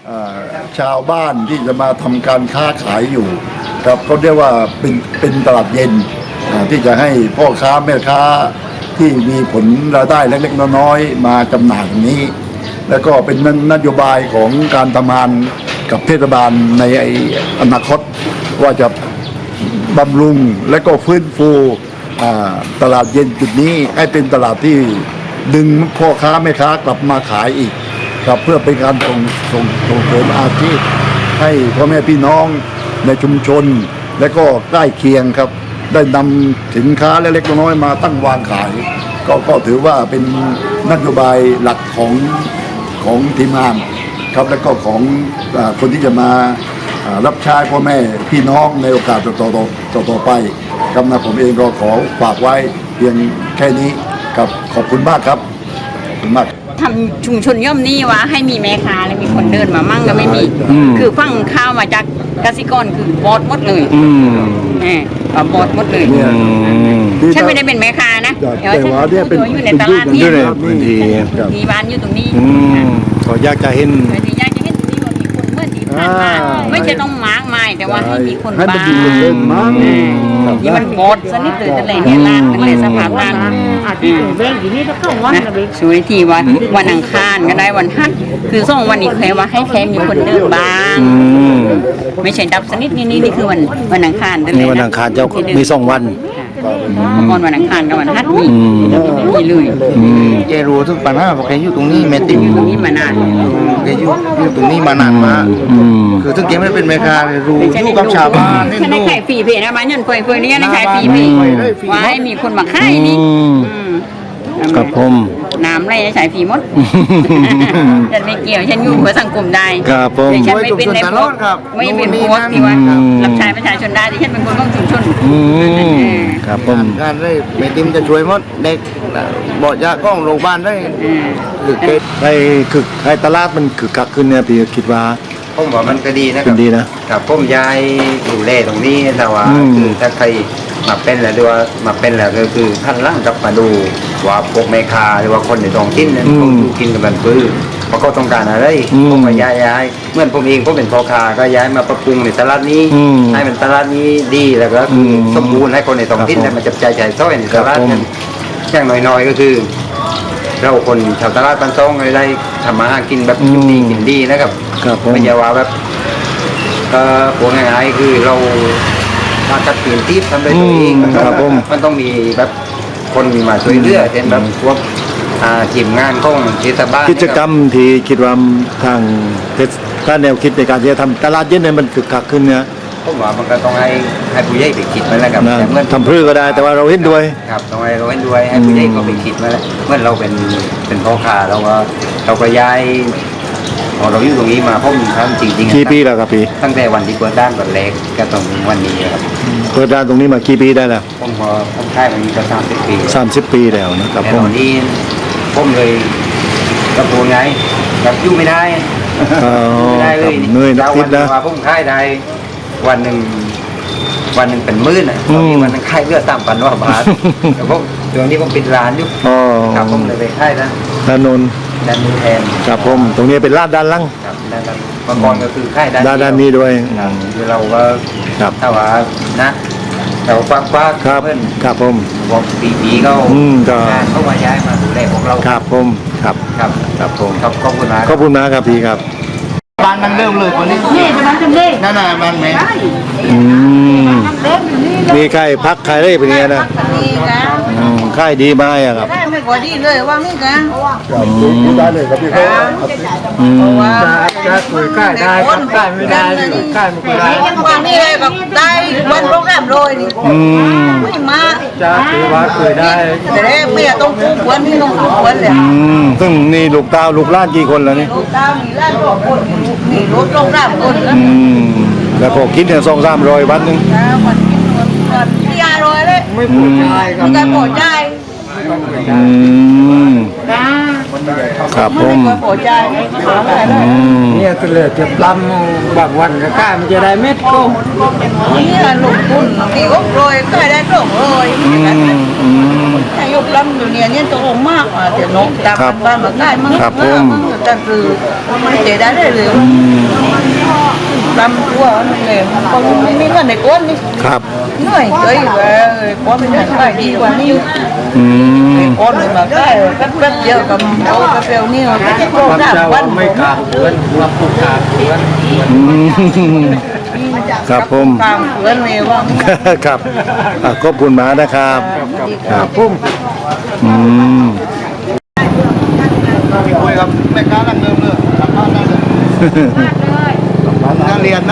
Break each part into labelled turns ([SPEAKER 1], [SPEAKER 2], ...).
[SPEAKER 1] ชาวบ้านที่จะมาทำการค้าขายอยู่ครับเขาเรียกว่าเป็นตลาดเย็นที่จะให้พ่อค้าแม่ค้าที่มีผลรายได้เล็กๆน้อยๆมาจำหน่ายตรงนี้ แล้วก็เป็นนโยบายของการทำงานกับเทศบาลในอนาคตว่าจะบำรุงและก็ฟื้นฟูตลาดเย็นจุดนี้ให้เป็นตลาดที่ดึงพ่อค้าแม่ค้ากลับมาขายอีกครับเพื่อเป็นการส่งเสริมอาชีพให้พ่อแม่พี่น้องในชุมชนและก็ใกล้เคียงครับได้นำสินค้าเล็กๆน้อยๆมาตั้งวางขายก็ถือว่าเป็นนโยบายหลักของทีมงานครับและก็ของคนที่จะมารับใช้พ่อแม่พี่น้องในโอกาสต่อไปครับนะผมเองก็ขอฝากไว้เพียงแค่นี้ครับขอบคุณมากครับขอบคุณมาก
[SPEAKER 2] ทำชุมชนย่อมนี่ว่าให้มีแม่ค้าและมีคนเดินมามั่งก็ไม่มีคือฟังข้าวมาจากเกษตรกรคือบอดหมดเลยบอดหมดเลยฉันไม่ได้เป็นแม่ค้านะแต่ว่าฉันอยู่ในตลาดนี้มีบ้านอยู่ตรงนี้
[SPEAKER 3] ก็อยากจะเห็น
[SPEAKER 2] อยากจะเห็นที่ว่ามีคนเมื่อที่ผ่านมาไม่ใช่ต้องมากมายแต่ว่าให้มีคนบ้างที่มันบอดสนิทเลยแต่เลยเนี่ยลากมันเลยสภาพต่างช่วยทีว่าวันอังคารก็ได้วันฮัทคือส่งวันอีกแค่ว่าให้แค่มีคนเดินบ้างไม่ใช่ดับสนิทนี่คือวันอังคารนั่นเลย
[SPEAKER 3] วันอังคารเจ้ามี2 วัน
[SPEAKER 2] ก่อนวันอังคารกับวันฮัทมีเลย
[SPEAKER 4] แกรู้ทุกปัญหาเพราะแกอยู่ตรงนี้แม่ติ๋ม
[SPEAKER 2] อยู่ตรงนี้มานาน
[SPEAKER 4] แกอยู่ตรงนี้มานานมากคือถึงแกไม่เป็นแม่ค้ารู้อยู่กับชาวบ้าน
[SPEAKER 2] ฉันได้ขายฟรีเพนะมันยันเฟยนี่ได้ขายฟรีเพว่าให้มีคนมาขายนี่
[SPEAKER 3] กับผม
[SPEAKER 2] น้ำไรใช้ฟรีหมดฉันไม่เกี่ยวฉันอยู่เพื่อสังคมได้
[SPEAKER 3] ครับผม
[SPEAKER 2] ฉันไม่เป็นในพวกไม่เป็นพวกที่ว่ารับใช้ประชาชนได้ที่ฉันเป็นคนของชุมชน
[SPEAKER 3] ครับผม
[SPEAKER 4] การได้แม่ติ๋มจะช่วยหมดเด็กบอกยาก้องโรงพยาบาลได้
[SPEAKER 3] หรือให้ตลาดมันคือกักขึ้นเนี่ยพี่คิดว่า
[SPEAKER 4] ผมว่ามันก็ดีนะครับ
[SPEAKER 3] ดีนะ
[SPEAKER 4] กับผมย้ายอยู่เล่ตรงนี้แต่ว่าคือถ้าใครมาเป็นแล้วด้วยมาเป็นแล้วก็คือท่านร่างกลับมาดูว่าพวกแม่ค้าหรือว่าคนในท้องถิ่นนั้นเขาอยู่กินกันแบบพื้นเพราะเขาต้องการอะไรผมก็ย้ายเมื่อผมเองผมเป็นพ่อค้าก็ย้ายมาปรับปรุงในตลาดนี้ให้มันตลาดนี้ดีแล้วก็สมบูรณ์ให้คนในท้องถิ่นได้มาจับจ่ายจ่ายซ้อยในตลาดนั้นอย่างน้อยๆก็คือเราคนชาวตลาดบ้านซ่องได้ทำมาหากินแบบกินดีนะครับไม่ใช่ว่าแบบพวกง่ายๆคือเราถ้าจัดเปลี่ยนทิศทำได้ตัวเองมันต้องมีแบบคนมีมาช่วยเหลือเช่นแบบพวกทีมงานของเทศบาล
[SPEAKER 3] กิจกรรมที่คิดว่าทางถ้าแนวคิดในการที่จะทำตลาดเย็นเนี่ยมันคึกคักขึ้นเนี่ย
[SPEAKER 4] ผมว่ามันก็ต้องให้ผู้ใหญ่ไปคิดมาแล้วครับ
[SPEAKER 3] เมื่อทำพื้นก็ได้แต่ว่าเราเห็นด้วย
[SPEAKER 4] ครับต้องให้เราเห็นด้วยให้ผู้ใหญ่ก็ไปคิดมาแล้วเมื่อเราเป็นพ่อค้าเราก็ย้ายพอเราอยู่ตรงนี้มาผมทำจริงๆ
[SPEAKER 3] กี่ปีแล้วครับพี่
[SPEAKER 4] ตั้งแต่วันที่เปิดด้านก่อนเล็กก็ตรงวันนี้ครับ
[SPEAKER 3] เปิดด้านตรงนี้มากี่ปีได้แล้ว
[SPEAKER 4] ผมค่ายมันก็30 ปี
[SPEAKER 3] 30 ปีแล้วนะครับ
[SPEAKER 4] ผมนี่ผมเลยกระโปรงไงแบบอยู่ไม่ได้
[SPEAKER 3] ไม่ได้เลยเหนื่อยนักทิศแล้ว
[SPEAKER 4] ผมค่ายได้วันหนึ่งเป็นมื้อน่ะวันนึงค่ายเลือด3,000 บาทแต่ผมตรงนี้ผมปิดร้านอยู่ครับผมเลยไปค่ายนะ
[SPEAKER 3] ด้านโน้น
[SPEAKER 4] แทน
[SPEAKER 3] ครับผมตรงนี้เป็นลาดด้านล่าง
[SPEAKER 4] ครับด้านเมื่อก่อนก็คือค่าย
[SPEAKER 3] ด้านนี้ด้วย
[SPEAKER 4] คือเราก็ถ้าว่านะเราคว้า
[SPEAKER 3] เพื่อนครับผม
[SPEAKER 4] บอกปีเขาเข้ามาย้ายมาดูแลของเรา
[SPEAKER 3] ครับผมครับผม
[SPEAKER 4] ขอบคุณมาก
[SPEAKER 3] ครับพี่ครับ
[SPEAKER 4] บ้านมันเริ่มเลยคนนี้นั่นน่ะบ้านแม่
[SPEAKER 3] มีใครพักใครได้เป็นไงนะค่ายดีมากครับ
[SPEAKER 2] ไม่พอดีเลยว่านี่กัน
[SPEAKER 1] ได้เลยครับพี่เขา
[SPEAKER 4] จะคุยค่ายได้ค่ายไม่ได้ค่ายไม่ได้
[SPEAKER 2] วันนี้เลยแบบได้วันโปรแกรมเลยนี่ไม่มา
[SPEAKER 4] จะถือว่าคุยได้
[SPEAKER 2] แต่ไม่ต้องคู่ควรนี่ต้องคู่ควรเลย
[SPEAKER 3] ซึ่งนี่ลูกตาลูกล้านกี่คนแล้วนี่
[SPEAKER 2] ลูกตามีล้าน2 คนมีรถลง3 คน
[SPEAKER 3] แล้วพอคิดเนี่ย200-300 วันนึง
[SPEAKER 2] ที่500เลย
[SPEAKER 4] ไม่ปวดใจครับ
[SPEAKER 2] ไม่ปวดใจ
[SPEAKER 3] ครับผม
[SPEAKER 4] เนี่ยก็เลยจะปล้ำบางวันก็ค่ามันจะได้เม็ดก็
[SPEAKER 2] นี่ลงทุนตี600ก็ได้200ใช่
[SPEAKER 5] ยุคล้ำอยู่เนี่ยตัวองค์มากเดี๋ยวนกตามบ้านมาได้มั้งแต่คือมันเจได้เลยล้ำตัวนั่นเลยก็มีเงินในก้นนี่
[SPEAKER 3] ครับ
[SPEAKER 5] เหนื่อยเลยก้นไม่ได้ไปดีกว่านี้ก้นมาได้แป๊บเดียวกับเอากาแฟนี่เราจะโตได้วันไม่กล้าเพื่อนว่าผู้กล้าเพื่อน
[SPEAKER 3] ครับผม
[SPEAKER 5] ตามเพื่อนเลยว่า
[SPEAKER 3] ครับขอบคุณมากนะครับครับ
[SPEAKER 1] คุยกับแม่ค้านั่งเริ่มเลยสัมภาษณ์นั่งเลยนั่งเรียน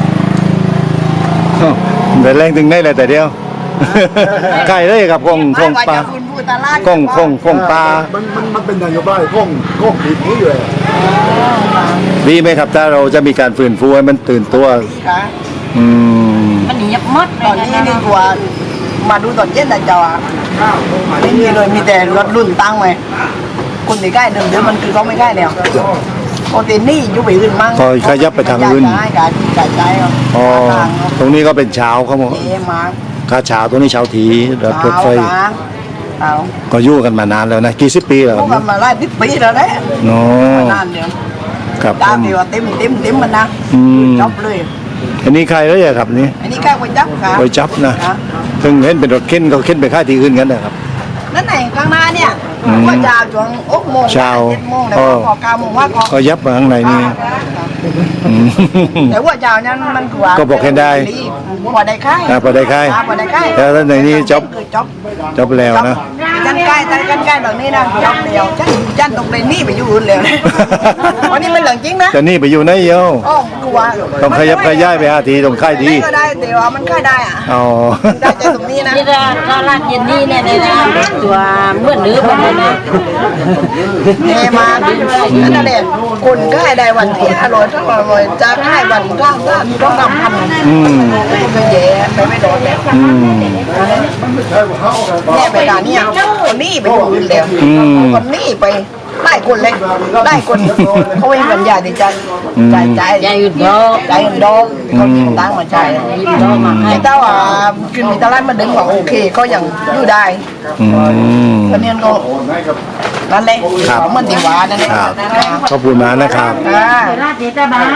[SPEAKER 3] แต่แรงถึงได้เลยแต่เดียวใกล้เลยครับคงปลาคงปลา
[SPEAKER 1] มันเป็นนโยบายของปีนี้อยู่เลย
[SPEAKER 3] ดีไหมครับถ้าเราจะมีการฟื้นฟูให้มันตื่นตัว
[SPEAKER 5] ค่ะ
[SPEAKER 2] มันเงียบมด
[SPEAKER 5] ตอนนี้นี่ตัวมาดูตอนเย็นแต่จอไม่มีเลยมีแต่รถรุ่นตั้งไว้คนที่ใกล้เดิมมันคือเขาไม่ใกล้แล้วปกตินี่อยู่ไปอื่นมั่ง
[SPEAKER 3] ก็ขยับไปทางอื่น
[SPEAKER 5] ใช่การใช้ครับ
[SPEAKER 3] อ๋อตรงนี้ก็เป็นเช้าครับผม
[SPEAKER 5] เอ๊ะมา
[SPEAKER 3] ค่าเช้าตรงนี้เช้าถีรถไฟ
[SPEAKER 5] เอา
[SPEAKER 3] ก็อยู่กันมานานแล้วนะกี่สิบปีแล้ว
[SPEAKER 5] พวกกันมาไล่10 ปีแล้วนะ
[SPEAKER 3] เนาะ
[SPEAKER 5] นานเดียว
[SPEAKER 3] ครับผ
[SPEAKER 5] ตาม
[SPEAKER 3] ม
[SPEAKER 5] เดียวเต็มมันนะจบเลย
[SPEAKER 3] อันนี้ใครแล้วครับนี่
[SPEAKER 5] อันนี้ใกล้ไว้จับค่ะ
[SPEAKER 3] ไว้จับนะถึงเห็นเป็นรถเข็นเขาเข็นไปค่ายที่อื่นกันนะครับ
[SPEAKER 5] นั่นไหนข้างหน้าเนี่ยว่าจะช่วง6 โมง
[SPEAKER 3] เช้า
[SPEAKER 5] 7 โมงแล้วก็9 โมงว่าก็
[SPEAKER 3] ก็ยับมาข้างในนี่อืม
[SPEAKER 5] แต่ว่าเจ้านั้นมันกว่า
[SPEAKER 3] ก็บอกให้ได้
[SPEAKER 5] พอได้ค่าย
[SPEAKER 3] พอได้ค่าย
[SPEAKER 5] พอได้ค่าย
[SPEAKER 3] แล้วในนี้จบ
[SPEAKER 5] จบ
[SPEAKER 3] จบแล้วนะ
[SPEAKER 5] กันใกล้แบบนี้นะจบเดียวฉันตรงในนี่ไปอยู่อื่นแล้วนะวันนี้เป็นเรื่องจริงนะ
[SPEAKER 3] จะนี่ไปอยู่ไหนเยอะ
[SPEAKER 5] โอ้กลัว
[SPEAKER 3] ต้องขยับขยายไปหาทีตรงค่ายดี
[SPEAKER 5] ก็ได้แต่ว่ามันค่ายได้อะ
[SPEAKER 3] อ๋อ
[SPEAKER 5] ได้ใจตรงนี้นะ
[SPEAKER 2] นี่ก็ลาดเย็นนี่เนี่ยตัวเมื่อนื้อมันเนี่ย
[SPEAKER 5] เฮมานั่นแหละคนค่ายได้วันที่อร่อยจะค่ายวันข้างด้านต้องนำพันก็แย่ไม่โดนแล้วเนี่ยไปการเนี่ยคนนี้ไปอยู่อื่นแล้วคนนี้ไปได้คนเลยได้คนเขาไม่เป็นยาดีใจใจอื่นดอกเขายิงตั้งมาใจยิงดอกมาให้แต่ว่ากินมีตลาดมาดึงว่าโอเคก็ยังอยู่ได้ก็เนี่ยก็นั่นแหละมันดีว่านั่นแหละ
[SPEAKER 3] ขอบคุณมากนะครับ
[SPEAKER 2] ราดเจตาบ้าน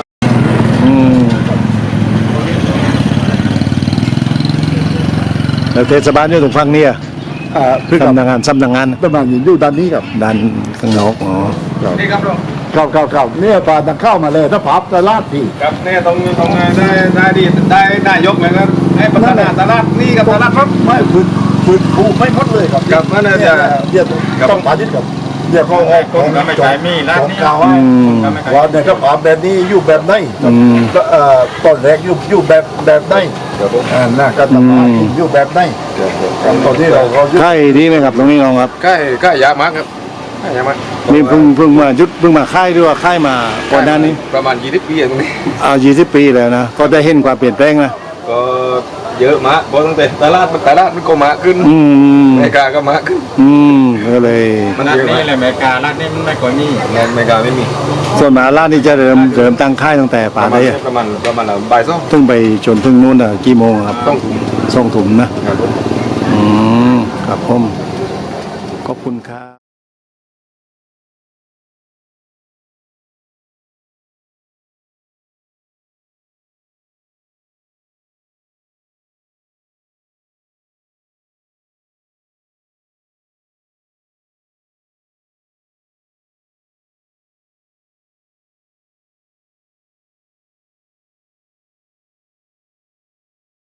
[SPEAKER 3] แล้วเทศบาลอยู่ตรงฝั่งนี้สำนักงาน
[SPEAKER 1] ประมาณอยู่ด้านนี้ครับ
[SPEAKER 3] ด้านข้างนอกอ๋อ
[SPEAKER 1] ครับเนี่ยปลาตังเข้ามาเลยถ้าพับตลาดที่
[SPEAKER 6] ครับเนี่ยตรงได้ดีได้นายกเลยครับให้พัฒนาตลาดนี่กับตลาดครับ
[SPEAKER 1] ไม่ฟื้นฟูไม่หมดเลยครับ
[SPEAKER 6] ครับนั่นน่ะจะ
[SPEAKER 1] เนี่ยต้องปาทิตกับเนี่ยเขาออกของเก่าว่าเนี่ยครับแบบนี้อยู่แบบไหนตอนแรกอยู่แบบไหนน่าก็ตมาอยู่แบบไหนตอนที่เรา
[SPEAKER 3] ใกล้ดีไหมครับตรงนี้น้องครับ
[SPEAKER 6] ใกล้ยามากครับใกล้ยามาก
[SPEAKER 3] นี่เพิ่งมาเพิ่งมาค่ายด้วยว่าค่ายมาก่อนหน้านี้
[SPEAKER 6] ประมาณ20 ปีตรงนี้
[SPEAKER 3] 20 ปีแล้วนะก็ได้เห็นความเปลี่ยนแปลงนะ
[SPEAKER 6] ก็เยอะมากเพราะตั้งแต่ตลาดมันก็มาขึ้นอเมริกาก็มาขึ้น
[SPEAKER 3] ก็เลย
[SPEAKER 6] มันเยอะมากอเมริการ้านนี้มันไม่ค่อยมีอเมริกาไม่มี
[SPEAKER 3] ส่วนมหาราชนี่จะเริ่มตั้งค่ายตั้งแต่ป่าได้
[SPEAKER 6] ประมาณบ่ายสอง
[SPEAKER 3] ซึ่งไปจนถึงนู่นกี่โมงครับ
[SPEAKER 6] ต้องถุง
[SPEAKER 3] 2 ถุงนะครับผมขอบคุณครับ